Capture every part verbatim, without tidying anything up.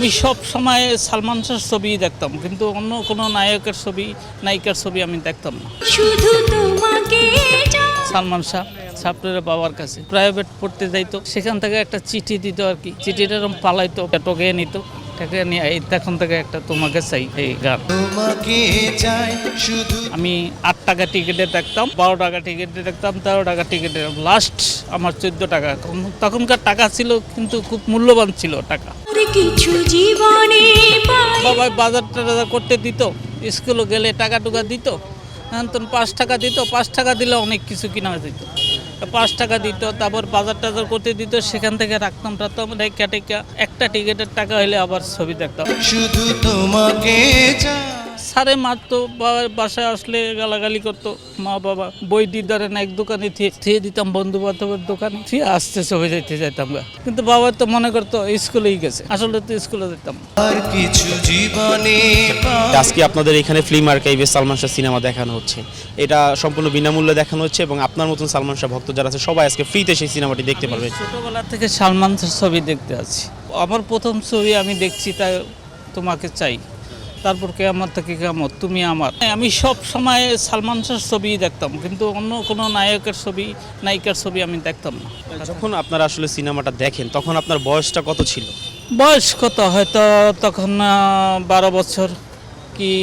আমি সব সময় সালমান শাহর ছবি দেখতাম, কিন্তু অন্য কোনো নায়কের ছবি নায়িকার ছবি আমি দেখতাম না। শুধু তোমাকে সালমান শাহ ছাত্রের বাবার কাছে প্রাইভেট পড়তে যাইতো, সেখান থেকে একটা চিঠি দিত আর কি, চিঠিটা এরকম পালাইতো, টোকে নিত, টাকা নিয়ে এই তখন থেকে একটা তোমাকে চাই এই গান। তোমাকে চাই শুধু। আমি আট টাকা টিকিটে দেখতাম, বারো টাকা টিকিটে দেখতাম, তেরো টাকা টিকিটে, লাস্ট আমার চোদ্দ টাকা। তখনকার টাকা ছিল কিন্তু খুব মূল্যবান ছিল টাকা। কিছু জীবনে পাই বাবা বাজার টাজার করতে দিত, স্কুলে গেলে টাকা টুকা দিত, তখন পাঁচ টাকা দিত, পাঁচ টাকা দিলে অনেক কিছু কিনা দিত, পাঁচ টাকা দিত, তারপর বাজার টাজার করতে দিত, সেখান থেকে রাখতাম রাখতাম রেখা টেকা, একটা টিকিটের টাকা হলে আবার ছবি দেখতাম। শুধু তোমাকে চাই। সারে মারতো, বাবার বাসায় আসলে গালাগালি করতো মা বাবা, বই দিয়ে ধরেন এক দোকানে থিয়ে দিতাম, বন্ধু বান্ধবের দোকানে থিয়ে আসতে ছবি যাইতে যেতাম গা। কিন্তু বাবা তো মনে করতো স্কুলেই গেছে, আসলে তো স্কুলে যেতাম। আর কিছু জীবনে পাই। আজকে আপনাদের এখানে ফিল্ম আর্কাইভে সালমান শাহ সিনেমা দেখানো হচ্ছে, এটা সম্পূর্ণ বিনামূল্যে দেখানো হচ্ছে এবং আপনার মতন সালমান শাহ ভক্ত যারা আছে সবাই আজকে ফ্রিতে সেই সিনেমাটি দেখতে পারবে। ছোটবেলা থেকে সালমান শাহর ছবি দেখতে আছি, আমার প্রথম ছবি আমি দেখছি তাই তোমাকে চাই, তারপর কেয়ামত থেকে কেয়ামত, তুমি আমার। আমি সব সময় সালমান শাহর ছবি দেখতাম, কিন্তু অন্য কোনো নায়কের ছবি নায়িকার ছবি আমি দেখতাম না। যখন আপনারা আসলে সিনেমাটা দেখেন তখন আপনার বয়সটা কত ছিল? বয়স কত, হয়তো তখন আহ, বারো বছর কি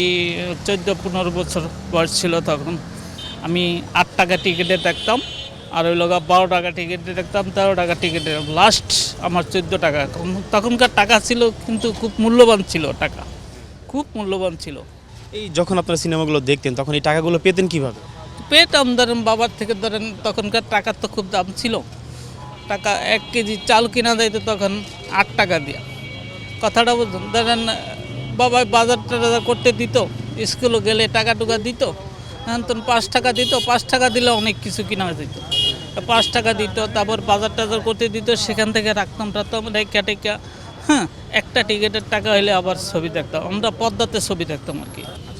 চোদ্দো পনেরো বছর বয়স ছিল তখন। আমি আট টাকা টিকিটে দেখতাম, আর ওই লোক বারো টাকা টিকিটে দেখতাম, তেরো টাকা টিকিটে, লাস্ট আমার চোদ্দো টাকা। তখনকার টাকা ছিল কিন্তু খুব মূল্যবান ছিল টাকা, খুব মূল্যবান ছিল। এই যখন আপনারা সিনেমাগুলো দেখতেন তখন এই টাকাগুলো পেতেন কিভাবে? পেতাম ধরেন বাবার থেকে, ধরেন তখনকার টাকার তো খুব দাম ছিল, টাকা এক কেজি চাল কিনা যাইতো তখন আট টাকা দিয়ে, কথাটা বুঝুন। ধরেন বাবা বাজার টাজার করতে দিত, স্কুলে গেলে টাকা টুকা দিত, তখন পাঁচ টাকা দিত, পাঁচ টাকা দিলে অনেক কিছু কিনা দিত, পাঁচ টাকা দিত, তারপর বাজার টাজার করতে দিত, সেখান থেকে রাখতাম রাখতাম রেখা টেকা, হ্যাঁ, একটা টিকিটের টাকা হলে আবার ছবি দেখতাম, আমরা পদ্মাতে ছবি দেখতাম আর কি।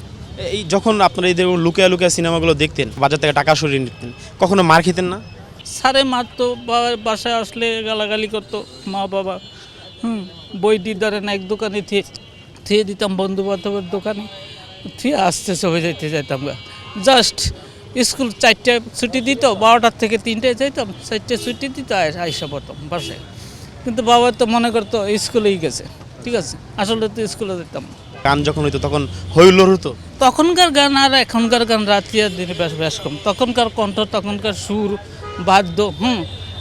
এই যখন আপনারা এই লুকিয়া লুকিয়া সিনেমাগুলো দেখতেন, বাজার থেকে টাকা সরিয়ে নিতেন, কখনো মার খেতেন না? সারে মারতো, বাবার বাসায় আসলে গালাগালি করতো মা বাবা, হুম, বই দিয়ে ধরেন এক দোকানে থিয়ে থিয়ে দিতাম, বন্ধু বান্ধবের দোকানে থিয়ে আসতে ছবি যাইতে যেতাম গা। জাস্ট স্কুল চারটে ছুটি দিত, বারোটার থেকে তিনটায় যাইতাম, চারটে ছুটি দিত, আইসা পড়তাম বাসায়। কিন্তু বাবা তো মনে করতো স্কুলেই গেছে, ঠিক আছে, আসলে তো স্কুলে যেতাম। গান যখন হইতো তখন হইলোর হতো। তখনকার গান আর এখনকার গান রাত্রি আর দিনে বেশ বেশ কম। তখনকার কণ্ঠ, তখনকার সুর, বাদ্য, হুম,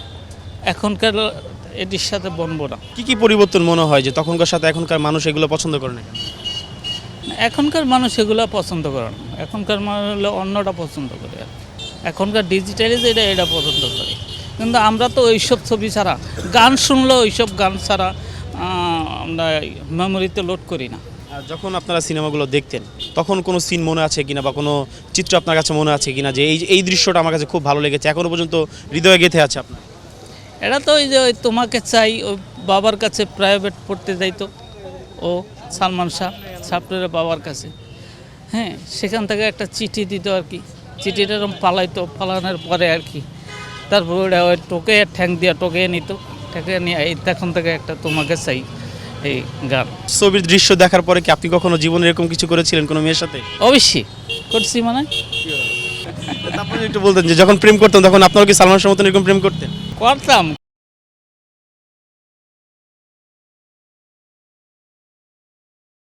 এখনকার এটির সাথে বনবো না। কি কি পরিবর্তন মনে হয় যে তখনকার সাথে এখনকার মানুষ এগুলো পছন্দ করে না? এখনকার মানুষ এগুলো পছন্দ করে না, এখনকার মানুষ হলে অন্যটা পছন্দ করে আর কি। এখনকার ডিজিটালি এটা এটা পছন্দ করে, কিন্তু আমরা তো ওইসব ছবি ছাড়া, গান শুনলেও ওইসব গান ছাড়া আহ, আমরা মেমোরিতে লোড করি না। আর যখন আপনারা সিনেমাগুলো দেখতেন তখন কোনো সিন মনে আছে কিনা বা কোনো চিত্র আপনার কাছে মনে আছে কিনা যে এই এই দৃশ্যটা আমার কাছে খুব ভালো লেগেছে, এখনো পর্যন্ত হৃদয়ে গেঁথে আছে আপনার? এটা তো ওই যে ওই তোমাকে চাই, ওই বাবার কাছে প্রাইভেট পড়তে যাইতো ও সালমান শাহ ছাত্রের বাবার কাছে, হ্যাঁ, সেখান থেকে একটা চিঠি দিত আর কি, চিঠিটা এরকম পালাইতো, পালানোর পরে আর কি, তারপর ওটা ওই টোকে ঠ্যাং দিয়ে টোকে নিত, ঠেকে নিয়ে এই তখন থেকে একটা তোমাকে চাই এই গান। ছবির দৃশ্য দেখার পরে কি আপনি কখনো জীবনে এরকম কিছু করেছিলেন কোনো মেয়ের সাথে? অবশ্যই করছি, মানে তারপরে একটু বলতেন যে যখন প্রেম করতেন তখন আপনারা কি সালমান শাহর মতন এরকম প্রেম করতেন? করতাম।